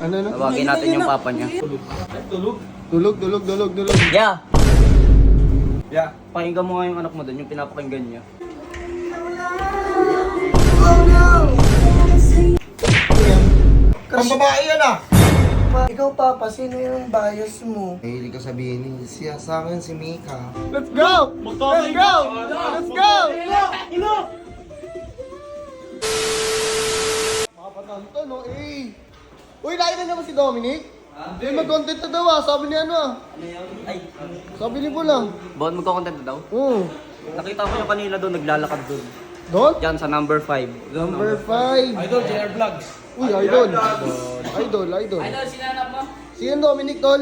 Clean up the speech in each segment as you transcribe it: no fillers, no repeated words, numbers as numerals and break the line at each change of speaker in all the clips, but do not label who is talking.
Ano na?
Tawagin natin yung papa niya.
Tulog.
Yeah!
Yeah.
Pakinggan mo nga yung anak mo doon, yung pinapakinggan niya.
Ang babae yan ah!
Ikaw, Papa, sino yung bias mo?
Mahilig ka sabihin siya sa akin si Mika.
Let's go! Let's go! Let's go!
Makapatanto no eh. Uy, nakita niyo ba si Dominic? Hindi, mag-content na daw ah. Sabi ni ano ah.
Ay,
Sabi ni Bula.
Bon, magkakontent na daw?
Oo.
Nakita ko yung kanina doon, naglalakad doon.
Doon?
Diyan sa number 5.
Number 5.
Idol, JR Vlogs.
Uy, idol. Idol.
Idol, sinanap mo?
Si yan Dominic, tol.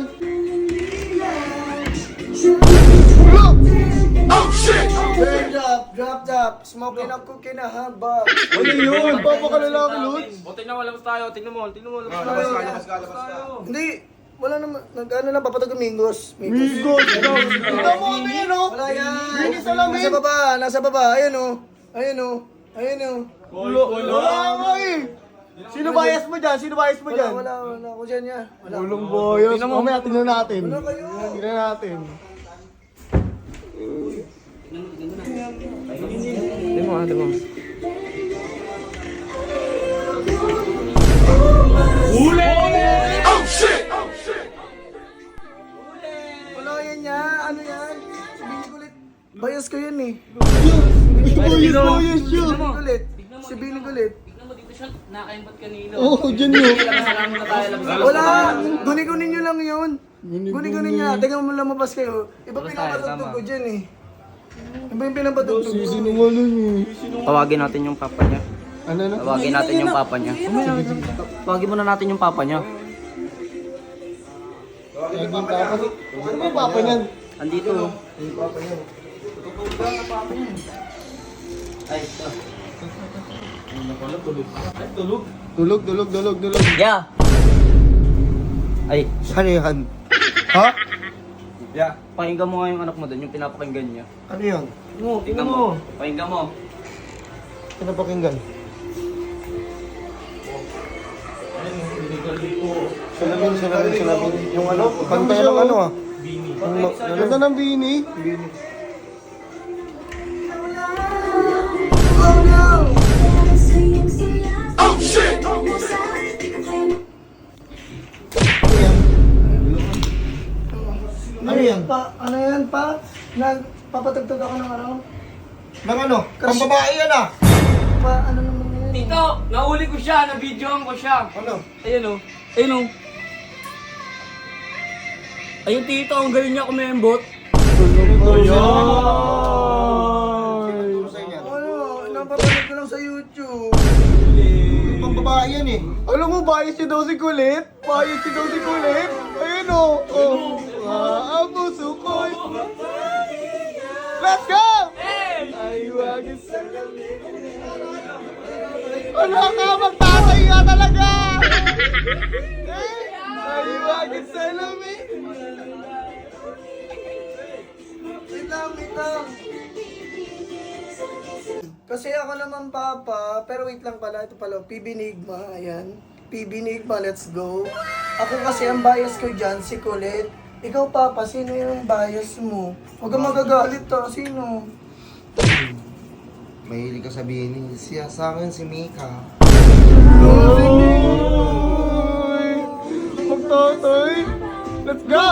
Drop. Smoking ako kinahaba.
Ano yun? Papakalalaki, Lutz.
O, tingnan mo, labas tayo. Tingnan mo, labas
Labas
tayo.
ka.
Hindi, wala naman. Nag-ano lang, papatag Mingos.
Migos. Ito mo ano yun oh.
Wala yan.
Binis na lang
Nasa baba. Ayun o.
Wala nga eh. Sino bias mo dyan?
Wala. Ako dyan niya. Wala.
Ulong boyos.
Tingnan mo.
Mamaya tingnan natin.
Wala kayo.
Tingnan natin.
Tingnan mo.
Wala yan niya. Ano yan? Sabihin ko ulit. Bias ko yan eh.
Boyos yun.
Sabihin ko ulit.
Tingnan mo dito siya, nakaimpat kanina.
Oo, dyan yun.
Salamat na tayo, labas tayo.
Wala! Guni-guni nyo lang yun. Guni-guni nyo. Tingnan mo lumabas kayo. Iba
Labas tayo,
pinapatugtog
tama.
ko dyan eh. Iba yung pinapatugtog ko.
Sinungaling eh.
Tawagin natin yung papa niya.
Ano na?
Tawagin natin yung papa niya. Tawagin muna natin yung papa niya.
Naging papa. Ano ba yung papa niyan?
Andito. Ay,
Tulog.
yeah! Ay,
Ano yan? Ha?
Yeah.
pakinggan mo nga yung anak mo doon, yung pinapakinggan niya.
Ano yan?
Tingnan mo. Pakinggan mo.
Pinapakinggan. Salamin. Yung ano? Kanta ng ano ah? Bini. Kanta ng Bini? Ano yan?
Ano yan pa? Nagpapatugtog ako ng ano?
Ng ano? Ang babae yan ah!
Ano naman yan?
Tito, nahuli ko siya, na-videoan ko siya.
Ano?
Ayun o. Ayun o. Ayun tito, ang galing niya kumembot.
Ano? Napapanood ko lang sa YouTube.
Ang babae yan eh. Alam mo, bias siya daw si Kulit. Ayun o. Ang puso ko. Let's go! Ay, wag wala ka, magtatay nga talaga! Ay, wag salamin!
Wait lang. Kasi ako naman, Papa, pero wait lang pala, ito pala, PB Nigma, ayan. PB Nigma, let's go. Ako kasi ang bias ko dyan, si Colette. Ikaw, Papa, sino yung bias mo? Huwag kang magagalit to, sino?
Mahilig ka sabihin siya sa akin si Mika. Magtatay! Let's go!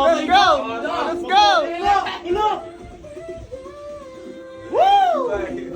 Let's go! Woo!